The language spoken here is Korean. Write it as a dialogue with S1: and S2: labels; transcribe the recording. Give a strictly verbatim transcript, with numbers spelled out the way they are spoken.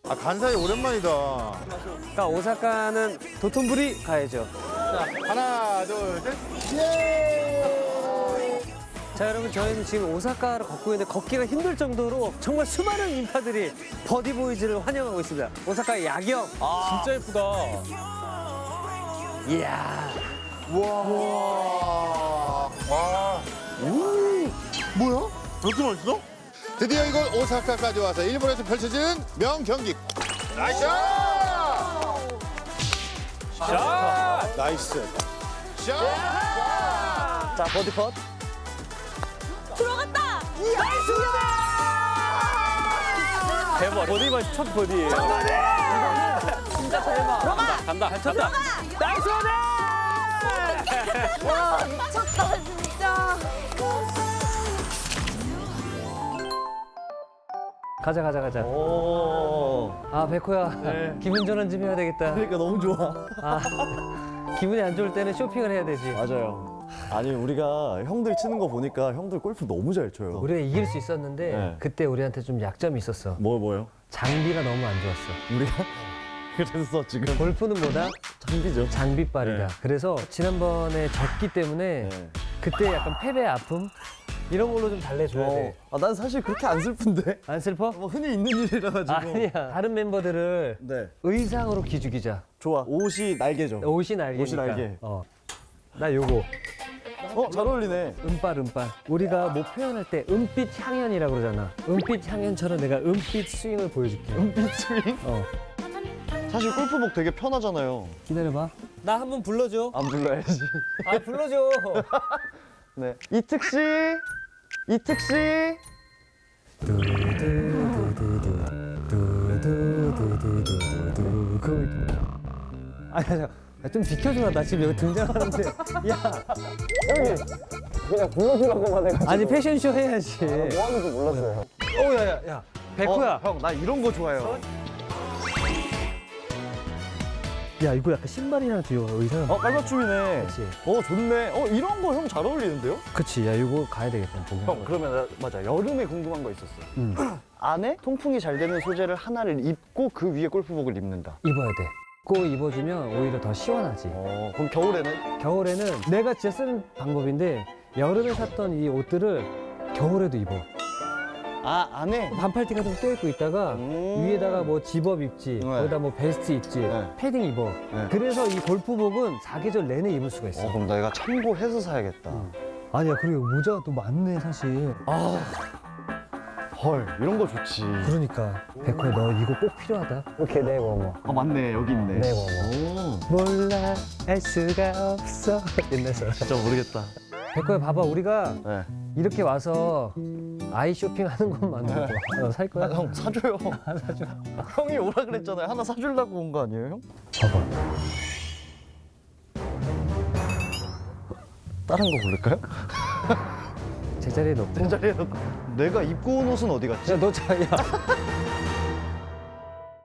S1: 아, 간사이 오랜만이다.
S2: 자, 오사카는 도톤부리 가야죠.
S1: 자, 하나, 둘, 셋. 예!
S2: 자, 여러분, 저희는 지금 오사카를 걷고 있는데 걷기가 힘들 정도로 정말 수많은 인파들이 버디보이즈를 환영하고 있습니다. 오사카의 야경.
S3: 아, 진짜 예쁘다.
S2: 이야.
S1: 와. 와. 오. 뭐야? 왜 이렇게 맛있어? 드디어 이곳 오사카까지 와서 일본에서 펼쳐진 명경기. 나이스!
S3: 샷!
S1: 나이스. 샷!
S2: 자, 버디 컷.
S4: 들어갔다!
S3: 대박. 버디만 첫 버디.
S4: 진짜 대박. 들어가!
S3: 간다. 잘 쳤다.
S2: 나이스 버디!
S4: 와, 미쳤다, 진짜.
S2: 가자, 가자, 가자.
S5: 오.
S2: 아, 백호야.
S5: 네.
S2: 기분 전환 좀 해야 되겠다.
S5: 그러니까 너무 좋아.
S2: 아, 기분이 안 좋을 때는 쇼핑을 해야 되지.
S5: 맞아요. 아니 우리가 형들 치는 거 보니까 형들 골프 너무 잘 쳐요.
S2: 우리가 이길 수 있었는데
S5: 네.
S2: 그때 우리한테 좀 약점이 있었어.
S5: 뭐 뭐요?
S2: 장비가 너무 안 좋았어.
S5: 우리가 그래서 지금
S2: 골프는 뭐다?
S5: 장비죠.
S2: 장비빨이다.
S5: 네.
S2: 그래서 지난번에 졌기 때문에
S5: 네.
S2: 그때 약간 패배 아픔 이런 걸로 좀 달래줘야 돼.
S5: 아, 난 사실 그렇게 안 슬픈데.
S2: 안 슬퍼?
S5: 뭐 흔히 있는 일이라 가지고.
S2: 아니야. 다른 멤버들을
S5: 네.
S2: 의상으로 기죽이자.
S5: 좋아. 옷이 날개죠.
S2: 옷이 날개니까.
S5: 옷이 날개.
S2: 어. 나 요거.
S5: 어, 잘 어울리네.
S2: 은빨 은빨. 우리가 뭐 표현할 때 은빛 향연이라고 그러잖아. 은빛 향연처럼 내가 은빛 스윙을 보여줄게.
S5: 은빛 스윙?
S2: 어.
S5: 사실 골프복 되게 편하잖아요.
S2: 기다려봐. 나 한 번 불러줘.
S5: 안 불러야지.
S2: 아 불러줘.
S5: 네. 이특 씨. 이특 씨.
S2: 두두두두두 두두두두두두 그 아니 잠깐 좀 비켜줘라. 나 지금 여기 등장하는데. 야 형님 그냥 불러주라고만 해가지고. 아니 패션쇼 해야지.
S5: 뭐 하는지 몰랐어요.
S2: 어 야야야 야, 백호야.
S5: 어, 형, 나 이런 거 좋아해요.
S2: 야 이거 약간 신발이랑 듀오 의상.
S5: 어, 깔맞춤이네.
S2: 그치.
S5: 어, 좋네. 어, 이런 거 형 잘 어울리는데요?
S2: 그치. 야 이거 가야 되겠다. 보기.
S5: 형, 그러면 나, 맞아. 여름에 궁금한 거 있었어.
S2: 응.
S5: 안에 통풍이 잘 되는 소재를 하나를 입고 그 위에 골프복을 입는다.
S2: 입어야 돼. 꼭 입어주면 오히려 더 시원하지.
S5: 어, 그럼 겨울에는?
S2: 겨울에는 내가 진짜 쓰는 방법인데 여름에 샀던 이 옷들을 겨울에도 입어.
S5: 아, 안에?
S2: 반팔티 같은 거 껴입고 있다가
S5: 음.
S2: 위에다가 뭐 집업 입지,
S5: 네.
S2: 거기다 뭐 베스트 입지,
S5: 네.
S2: 패딩 입어.
S5: 네.
S2: 그래서 이 골프복은 사계절 내내 입을 수가 있어.
S5: 어, 그럼 내가 참고해서 사야겠다.
S2: 아니야, 그리고 모자가 또 많네, 사실.
S5: 아, 헐, 이런 거 좋지.
S2: 그러니까. 백호야, 너 이거 꼭 필요하다. 이렇게 내고
S5: 아, 맞네. 여기 있네.
S2: 네, 뭐,
S5: 오,
S2: 몰라, 알 수가 없어. 옛날서.
S5: 진짜 모르겠다.
S2: 백호야, 봐봐. 우리가
S5: 네.
S2: 이렇게 와서 아이 쇼핑하는 것만으로도 어, 살 거야?
S5: 아, 형, 사줘요. 사줘. 형이 오라 그랬잖아요. 하나 사주려고 온 거 아니에요, 형?
S2: 봐봐.
S5: 다른 거 고를까요?
S2: 제자리에 놓고.
S5: 제 자리에 놓고. 내가 입고 온 옷은 어디 갔지?
S2: 야, 너 자, 야.